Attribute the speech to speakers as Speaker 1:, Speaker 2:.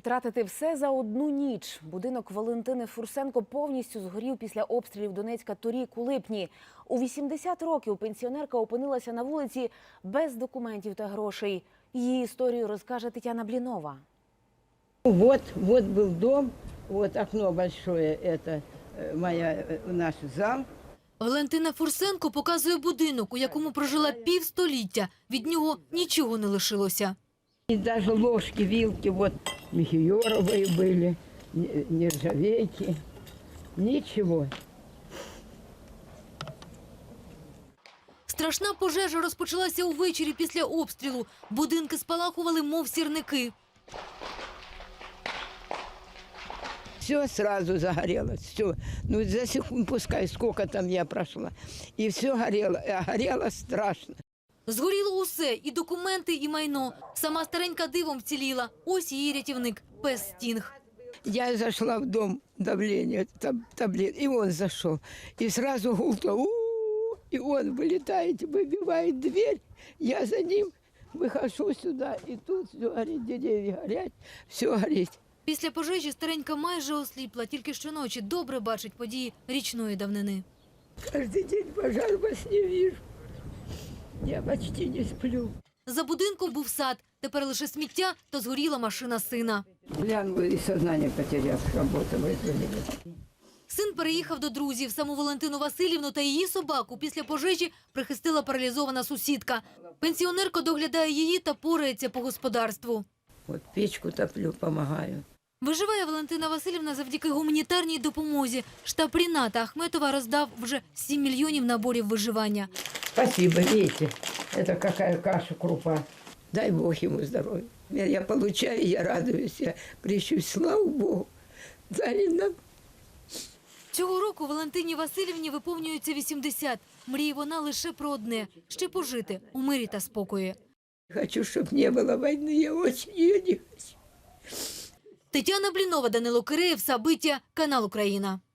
Speaker 1: Втратити все за одну ніч. Будинок Валентини Фурсенко повністю згорів після обстрілів Донецька торік у липні. У 80 років пенсіонерка опинилася на вулиці без документів та грошей. Її історію розкаже Тетяна Блінова.
Speaker 2: Вот был дом, вот окно большое, это наш зал.
Speaker 3: Валентина Фурсенко показує будинок, у якому прожила півстоліття. Від нього нічого не лишилося.
Speaker 2: И даже ложки, вилки, вот мехиоровые были, нержавейки, ничего.
Speaker 3: Страшна пожежа розпочалася увечері після обстрілу. Будинки спалахували, мов сірники.
Speaker 2: Все сразу загорелось, все. Ну, за секунд, пускай, сколько там я прошла. И все горело, горело страшно.
Speaker 3: Згоріло усе – і документи, і майно. Сама старенька дивом вціліла. Ось її рятівник – пес Стінг.
Speaker 2: Я зашла в дом, давление, таблет, и он зашел. И сразу гулко, и он вылетает, выбивает дверь. Я за ним выхожу сюда, и тут все горит, деревья горят, все горит.
Speaker 3: Після пожежі старенька майже осліпла. Тільки щоночі добре бачить події річної давнини.
Speaker 2: Каждый день пожар во сне вижу. Я почти не сплю.
Speaker 3: За будинком був сад. Тепер лише сміття та згоріла машина сина.
Speaker 2: Глянула и сознание потерял, работа вызвали.
Speaker 3: Син переїхав до друзів. Саму Валентину Васильівну та її собаку після пожежі прихистила паралізована сусідка. Пенсіонерка доглядає її та порається по господарству.
Speaker 2: Вот печку топлю, помогаю.
Speaker 3: Виживає Валентина Васильівна завдяки гуманітарній допомозі. Штаб Ріната Ахметова роздав вже 7 мільйонів наборів виживання.
Speaker 2: Спасибо, видите, это какая каша, крупа. Дай Бог ему здоровья. Я получаю, я радуюсь, я прищусь, слава Богу. Дали нам.
Speaker 3: Цього року Валентині Васильівні виповнюється 80. Мріє вона лише про одне – ще пожити у мирі та спокої.
Speaker 2: Хочу, чтобы не было войны, я очень ее не хочу.
Speaker 3: Тетяна Блінова, Данило Киреєв, Сабиття, канал «Україна».